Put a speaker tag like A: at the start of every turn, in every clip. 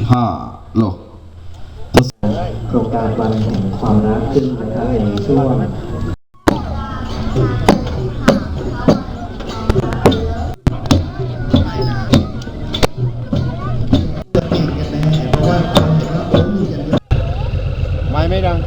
A: 5โล
B: โครงการวันแห่งความรักขึ้นนะครับในช่วง
C: ไม่ดัง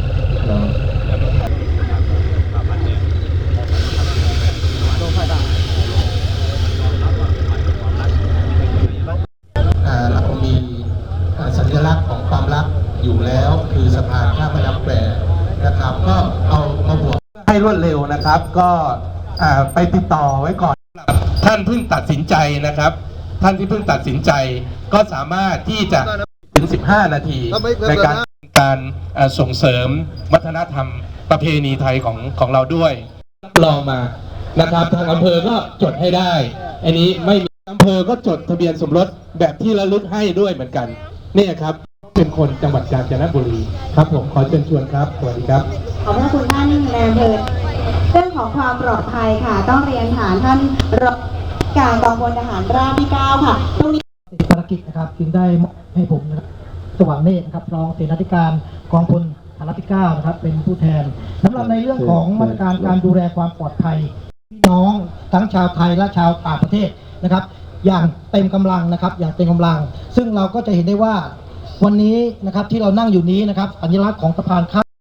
D: เรามีสัญลักษณ์ของความรักอยู่แล้วคือสะพานข้ามแม่น้ำแควนะครับก็เอามาบวกให้รวดเร็วนะครับก็ไปติดต่อไว้ก่อนท่านเพิ่งตัดสินใจนะครับท่านที่เพิ่งตัดสินใจก็สามารถที่จะถึง15 นาทีในการส่งเสริมวัฒนธรรมประเพณีไทยของเราด้วยลองมานะครับทางอำเภอก็จดให้ได้อันนี้ไม่มีอำเภอก็จดทะเบียนสมรสแบบที่ระลึกให้ด้วยเหมือนกันนี่ครับเป็นคนจังหวัดกาญจนบุรีครับผมขอเชิญชวนครับสวัสดีครับ
E: ขอบพระคุณท่านนายอำเภอเรื่องของความปลอดภัยค่ะต้องเรียนฐานท่านรองการกองพลทหารราบที่ 9ค่ะตรงนี้
F: ภารกิจนะครับจึงได้ให้ผมนะครับสว่างเนตรนะครับรองเสนาธิการกองพลทหารราบที่ 9นะครับเป็นผู้แทนสำหรับในเรื่องของมาตรการการดูแลความปลอดภัยพี่น้องทั้งชาวไทยและชาวต่างประเทศนะครับอย่างเต็มกำลังนะครับอย่างเต็มกำลังซึ่งเราก็จะเห็นได้ว่าวันนี้นะครับที่เรานั่งอยู่นี้นะครับสัญลักษณ์ของสะพานข้าม